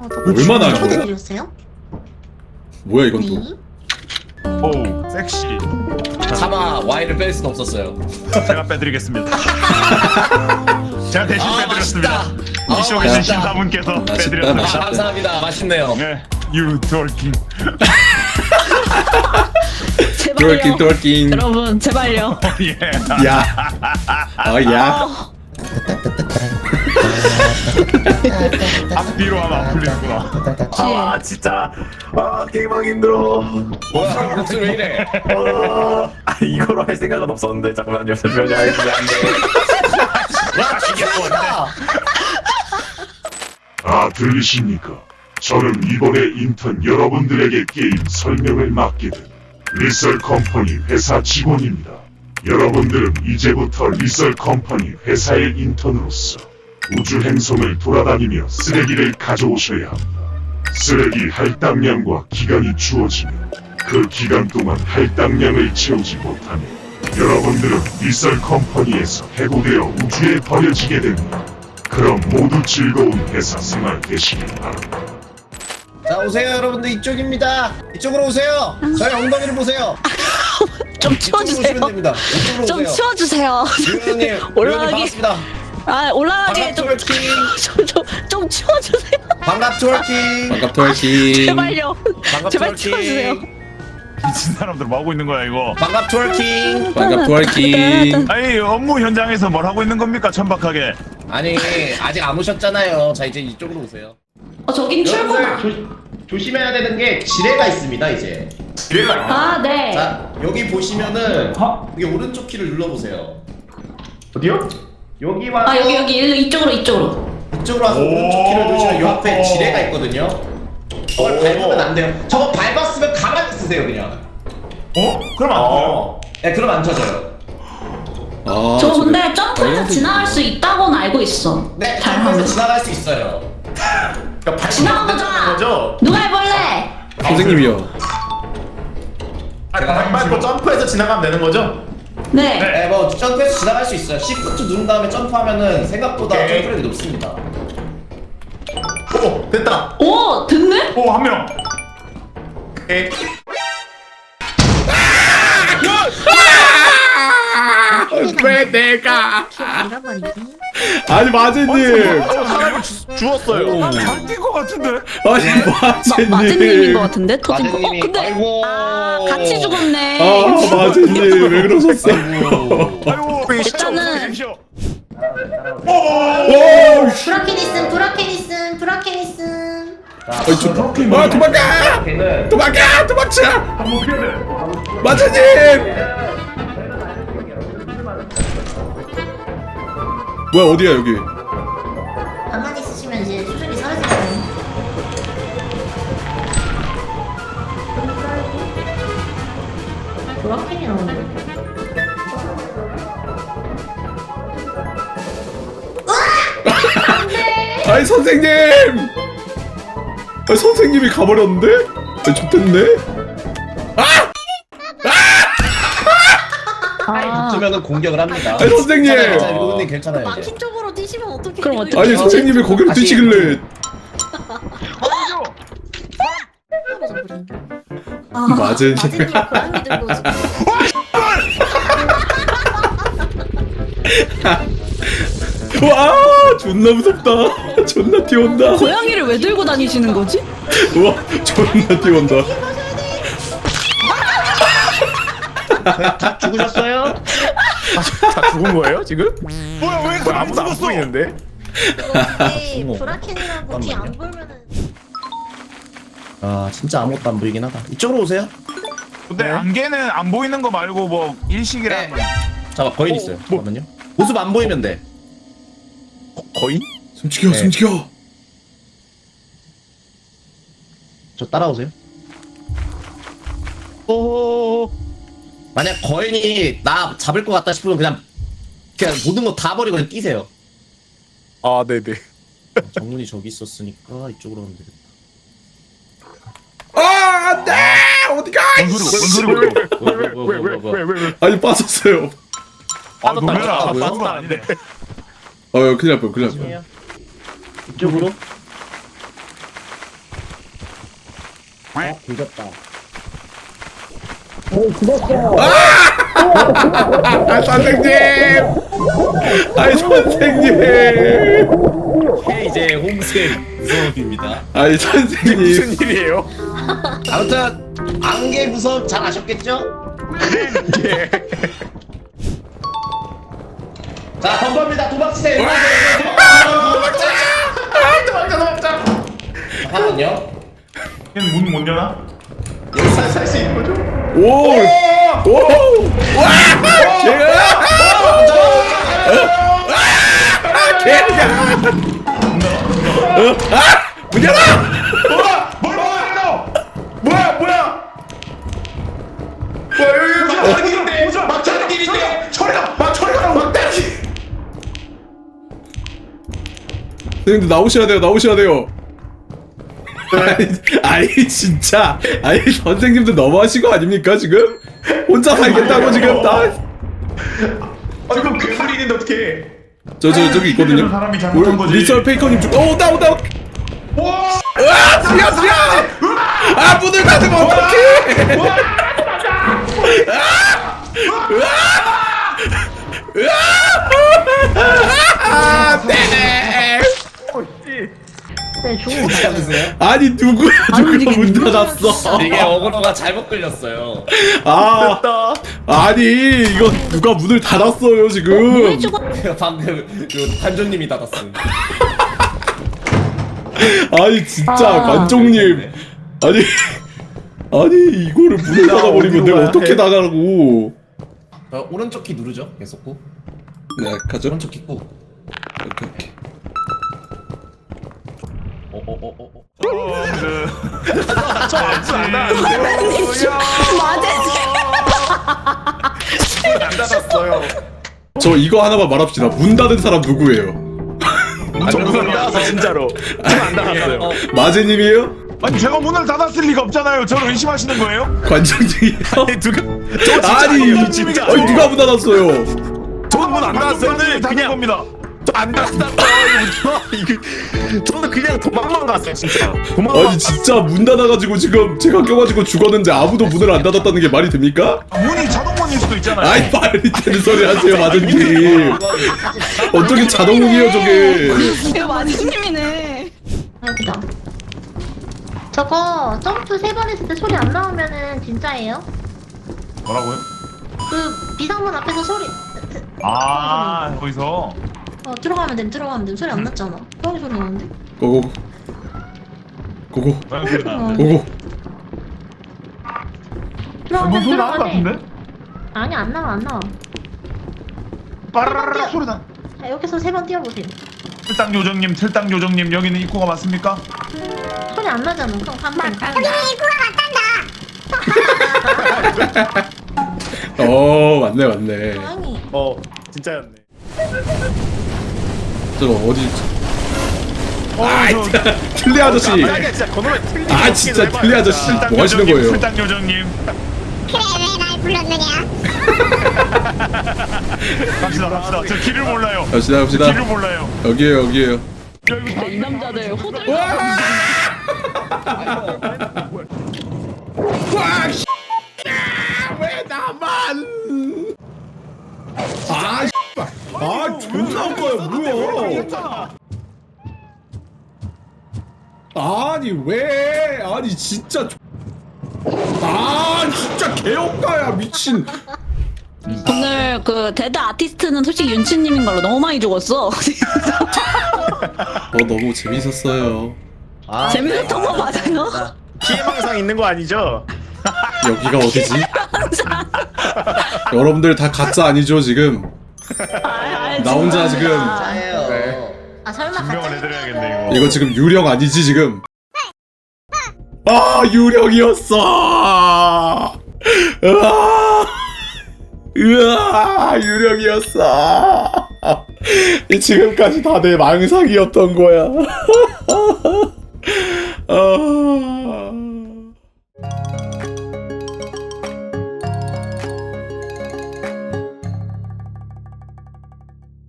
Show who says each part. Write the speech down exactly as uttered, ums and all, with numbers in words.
Speaker 1: 어, 저
Speaker 2: 얼마나
Speaker 1: 어떻게
Speaker 2: 좋아?
Speaker 1: 드렸어요?
Speaker 2: 뭐야 이건 또?
Speaker 1: 네.
Speaker 3: 오 섹시.
Speaker 4: 차마 Y를 뺄 수는 없었어요.
Speaker 3: 제가 빼드리겠습니다. 제가 대신
Speaker 4: 아,
Speaker 3: 빼드렸습니다.
Speaker 4: 맛있다.
Speaker 3: 이쇼
Speaker 4: 아,
Speaker 3: 계신
Speaker 4: 맛있다.
Speaker 3: 신사분께서
Speaker 2: 맛있다,
Speaker 4: 아,
Speaker 3: 빼드렸습니다.
Speaker 4: 감사합니다. 맛있네요.
Speaker 3: 네, you twerking.
Speaker 5: 제발요.
Speaker 2: 똘킹 똘킹.
Speaker 5: 여러분 제발요.
Speaker 3: 예.
Speaker 2: 야. 아 야.
Speaker 3: 앞뒤로 하면 안 풀리는구나.
Speaker 6: 아 진짜 아 게임하기 힘들어.
Speaker 4: 뭐야, 목소리 왜 이래?
Speaker 6: 아 이거로 할 생각은 없었는데 잠깐만요. 잠시만요. 안 돼.
Speaker 4: 와, 죽였다.
Speaker 7: 아 들리십니까? 저는 이번에 인턴 여러분들에게 게임 설명을 맡게 된 리썰 컴퍼니 회사 직원입니다. 여러분들은 이제부터 리썰 컴퍼니 회사의 인턴으로서 우주 행성을 돌아다니며 쓰레기를 가져오셔야 합니다. 쓰레기 할당량과 기간이 주어지면 그 기간 동안 할당량을 채우지 못하면 여러분들은 리썰 컴퍼니에서 해고되어 우주에 버려지게 됩니다. 그럼 모두 즐거운 회사 생활 되시길 바랍니다.
Speaker 4: 자, 오세요, 여러분들. 이쪽입니다. 이쪽으로 오세요. 저희 엉덩이를 보세요.
Speaker 5: 좀
Speaker 4: 이쪽으로
Speaker 5: 치워주세요.
Speaker 4: 오시면 됩니다. 이쪽으로
Speaker 5: 좀
Speaker 4: 오세요.
Speaker 5: 치워주세요.
Speaker 4: 유현님, 유현님
Speaker 5: 올라가기.
Speaker 4: 반갑습니다.
Speaker 5: 아 올라가게 좀,
Speaker 4: 반갑
Speaker 5: 좀, 좀, 좀 치워주세요.
Speaker 4: 반갑 트월킹.
Speaker 2: 반갑 똘킹.
Speaker 5: 제발요.
Speaker 4: 반갑
Speaker 5: 제발 치워주세요.
Speaker 4: 트월킹.
Speaker 3: 미친 사람들 뭐 하고 있는 거야 이거?
Speaker 4: 반갑 트월킹.
Speaker 2: 반갑 똘킹.
Speaker 3: 아니 업무 현장에서 뭘 하고 있는 겁니까 천박하게?
Speaker 4: 아니, 아직 안 오셨잖아요. 자, 이제 이쪽으로 오세요.
Speaker 5: 어 저긴 출구다.
Speaker 4: 조, 조심해야 되는 게 지뢰가 있습니다, 이제.
Speaker 5: 아 네.
Speaker 4: 자, 여기 보시면은 여기 오른쪽 키를 눌러보세요.
Speaker 6: 어디요?
Speaker 4: 여기 와서
Speaker 5: 아 여기 여기 일로 이쪽으로 이쪽으로.
Speaker 4: 이쪽으로 와서 오른쪽 키를 누르시면 옆에 지뢰가 있거든요. 저걸 밟으면 안 돼요. 저거 밟았으면 가만히 있으세요, 그냥.
Speaker 3: 어? 그럼 안 돼요?
Speaker 4: 어. 네, 그럼 안 쳐져요.
Speaker 2: 아,
Speaker 5: 저
Speaker 2: 저거-
Speaker 5: 근데 점프해서 지나갈 수 있다고는 알고 있어.
Speaker 4: 네,
Speaker 5: 잘
Speaker 4: 점프해서
Speaker 5: 하면.
Speaker 4: 지나갈 수 있어요.
Speaker 6: 그러니까 밟으면
Speaker 5: 지나가보자.
Speaker 6: 된다는 거죠?
Speaker 5: 누가 해볼래?
Speaker 2: 선생님이요.
Speaker 6: 아 밟고 점프해서 지나가면 되는 거죠?
Speaker 5: 네.
Speaker 4: 네, 뭐 점프해서 지나갈 수 있어요. 시프트 누른 다음에 점프하면은 생각보다
Speaker 6: 오케이.
Speaker 4: 점프력이 높습니다.
Speaker 6: 오 됐다.
Speaker 5: 오 됐네?
Speaker 3: 오 한 명.
Speaker 6: 오케이.
Speaker 2: 왜 내가?
Speaker 1: 잃어버리기.
Speaker 2: 아니 마제님.
Speaker 6: 사람을 주웠어요.
Speaker 3: 바뀐 거 같은데?
Speaker 2: 아니
Speaker 5: 마,
Speaker 2: 마제님.
Speaker 5: 마제님인 것 같은데 터진 거. 어
Speaker 4: 마제님이-
Speaker 5: 근데
Speaker 4: 아이고.
Speaker 5: 아 같이 죽었네.
Speaker 2: 아 마제님 왜 그러셨어요?
Speaker 3: 아이고
Speaker 5: 일단은-
Speaker 2: 오. 씨.
Speaker 1: 브라케니슨, 브라케니슨, 브라케니슨.
Speaker 2: 아니 저. 아 도망가!
Speaker 4: 걔는
Speaker 2: 도망가! 도망쳐! 마제님! 뭐야 어디야 여기?
Speaker 1: 가만히 있으시면 이제 수준이 사라지거든요. 브라켄이 나오네.
Speaker 2: 아니 선생님! 아니 선생님이 가버렸는데? 아니 좋댔네?
Speaker 5: 아
Speaker 4: 붙으면은 공격을 합니다.
Speaker 2: 아니 선생님!
Speaker 4: 괜찮아요, 일곱님 괜찮아요. 이제.
Speaker 1: 마킹 쪽으로 뛰시면 어떡해.
Speaker 5: 그럼 어떡해?
Speaker 2: 아니 선생님이 거기로
Speaker 4: 다시-
Speaker 2: 뛰시길래
Speaker 1: 아,
Speaker 2: 마제님.
Speaker 1: 마제님 고양이 들고 지금.
Speaker 2: 와 존나 무섭다. 존나 뛰어온다.
Speaker 5: 고양이를 왜 들고 다니시는 거지?
Speaker 2: 우와 존나 뛰어온다.
Speaker 4: 죽으셨어요?
Speaker 6: 다 죽은 거예요 지금?
Speaker 3: 뭐야 왜
Speaker 6: 뭐 아무도 안
Speaker 3: 죽었어?
Speaker 6: 보이는데?
Speaker 1: 이거 브라켄이라고 뒤 안 보면은.
Speaker 4: 아, 진짜 아무것도 안 보이긴 하다. 이쪽으로 오세요.
Speaker 3: 근데 안개는 안 보이는 거 말고 뭐 일식이랑
Speaker 4: 네. 잠깐 거인 있어요. 잠깐만요. 모습 안 보이면 돼.
Speaker 6: 거인?
Speaker 2: 숨죽여
Speaker 4: 네.
Speaker 2: 숨죽여.
Speaker 4: 저 따라오세요. 오. 만약 거인이 나 잡을 것 같다 싶으면 그냥 그냥 모든 거 다 버리고 그냥 뛰세요.
Speaker 6: 아 네네.
Speaker 4: 정문이 저기 있었으니까 이쪽으로 하면 되겠다.
Speaker 2: 아 안돼 어디가?
Speaker 3: 뭔 소리고 뭔 소리고?
Speaker 6: 왜왜왜왜왜
Speaker 2: 아니 빠졌어요.
Speaker 3: 아 놀래라.
Speaker 4: 빠졌다고요?
Speaker 3: 빠진 건 아니네.
Speaker 2: 어, 큰일 날 뻔, 큰일 날 뻔.
Speaker 4: 이쪽으로.
Speaker 2: 아 선생님! 아이 선생님!
Speaker 8: 이제 홍색 무서움입니다.
Speaker 2: 아이 선생님!
Speaker 3: 무슨 일이에요?
Speaker 4: 아무튼 안개 무섭 잘 아셨겠죠?
Speaker 3: 예.
Speaker 4: 자 덤버입니다. 도박치세요.
Speaker 6: 도망쳐 도망쳐.
Speaker 4: 잠깐만요.
Speaker 6: 얘는 문 못 여나? 살수 있는 거죠?
Speaker 2: 오! 오! 와! 개가! 개가! 아! 문 열어!
Speaker 6: 뭐야? 뭘 먹어요 너? 뭐야 뭐야? 뭐야 여기 막차는 길인데 막차는 길인데 처리가 막 처리가 막대지.
Speaker 2: 선생님들 나오셔야 돼요 나오셔야 돼요 아니, 아니 진짜 아니 선생님들 너무하신 거 아닙니까 지금? 혼자 살겠다고 지금 다
Speaker 6: 아 이거 괴물이 있는데 어떡해?
Speaker 2: 저 저 저기 있거든요.
Speaker 6: 사람이 잘못한 거지.
Speaker 2: 리썰 페이커님 중. 오 온다 온다.
Speaker 6: 와!
Speaker 2: 으아 지야 지야. 아 문을 닫으면 어떡해? 아 네.
Speaker 1: 네, 좋은 거
Speaker 8: 찾으세요?
Speaker 2: 아니 누구야 누가 문 닫았어?
Speaker 8: 이게 어그로가 잘못 끌렸어요.
Speaker 2: 아 아니 이거 누가 문을 닫았어요 지금?
Speaker 8: 방금 그 관조님이 닫았음.
Speaker 2: 아니 진짜
Speaker 5: 아.
Speaker 2: 관종님 아니 아니 이거를 문을 닫아버리면 내가 어떻게 나가라고?
Speaker 8: 어, 오른쪽 키 누르죠. 계속 꾹.
Speaker 2: 네 가죠.
Speaker 8: 오른쪽 키 꾹.
Speaker 2: 오케이 오케이.
Speaker 8: 어어어어 어.
Speaker 3: 안 닫았어요.
Speaker 2: 저 이거 하나만 말합시다. 문 닫은 사람 누구예요?
Speaker 3: 저문안 닫았어 진짜로. 저안 닫았어요.
Speaker 8: 어,
Speaker 2: 마제님이에요?
Speaker 3: 아니 제가 문을 닫았을 리가 없잖아요. 저를 의심하시는 거예요?
Speaker 2: 관장님이에요?
Speaker 3: 누가? 저 진짜
Speaker 2: 아니
Speaker 3: 진짜.
Speaker 2: 아니 누가 문 닫았어요?
Speaker 3: 저는 문안 닫았어요. 그냥 겁니다. 안 닫았어요. 이거 저는 그냥 도망만 갔어요 진짜. 도망만.
Speaker 2: 아니 진짜 문 닫아가지고 지금 제가 껴가지고 죽었는데 아무도 문을 안 닫았다는 게 말이 됩니까?
Speaker 3: 문이 자동문일 수도 있잖아요.
Speaker 2: 아이 말이 되는 소리 하세요 마제님. 어떻게 자동문이에요 저게?
Speaker 5: 이거 마지님이네.
Speaker 1: 아이고다. 저거 점프 세 번 했을 때 소리 안 나오면은 진짜예요?
Speaker 3: 뭐라고요?
Speaker 1: 그 비상문 앞에서 소리
Speaker 3: 아 거기서.
Speaker 1: 어 들어가면 됨 들어가면 됨 소리 안 났잖아. 고양이 소리 나는데?
Speaker 2: 고고 고고
Speaker 3: 고양이 소리 나.
Speaker 2: 고고.
Speaker 1: 들어가면
Speaker 3: 뭔
Speaker 1: 됨
Speaker 3: 소리 나는 것
Speaker 1: 들어가면 됨.
Speaker 3: 같은데?
Speaker 1: 아니 안 나와 안 나와.
Speaker 3: 빠르르르 소리 나.
Speaker 1: 자, 여기서 세 번 뛰어보세요.
Speaker 3: 틀당 요정님, 틀당 요정님 여기는 입구가 맞습니까?
Speaker 1: 소리 안 나잖아. 그럼 가면 돼.
Speaker 2: 어 맞네 맞네.
Speaker 1: 고양이.
Speaker 6: 어 진짜였네.
Speaker 2: 저거 어디?
Speaker 3: 어,
Speaker 2: 아이
Speaker 3: 저-
Speaker 2: 틀리 아저씨.
Speaker 6: 아니 진짜 그놈의 틀리.
Speaker 2: 아 진짜 틀리 아저씨
Speaker 3: 틀당
Speaker 2: 뭐 하시는
Speaker 3: 요정님,
Speaker 2: 거예요?
Speaker 3: 틀당 요정님.
Speaker 9: 그래 왜 날 불렀느냐?
Speaker 3: 갑시다, 갑시다. 저 길을 몰라요.
Speaker 2: 갑시다 갑시다.
Speaker 3: 길을 몰라요.
Speaker 2: 여기에요 여기에요.
Speaker 5: 이 남자들 호들.
Speaker 2: 왜 나만? 아, 아 존나 웃겨요 뭐야? 아니 왜? 아니 진짜. 아 진짜 개업가야 미친.
Speaker 5: 오늘 그 데드 아티스트는 솔직히 윤치님인 걸로 너무 많이 죽었어.
Speaker 2: 어 너무 재밌었어요.
Speaker 4: 아,
Speaker 5: 재밌었던 거 맞아요?
Speaker 6: 피해망상 있는 거 아니죠?
Speaker 2: 여기가 어디지? 여러분들 다 가짜 아니죠 지금? 나 혼자 지금
Speaker 4: 짜예요.
Speaker 1: 아 설마
Speaker 3: 증명을
Speaker 1: 가짜
Speaker 3: 해드려야겠네 이거.
Speaker 2: 이거 지금 유령 아니지 지금? 아 유령이었어. 으아, 으아 유령이었어. 이 지금까지 다 내 망상이었던 거야. 아.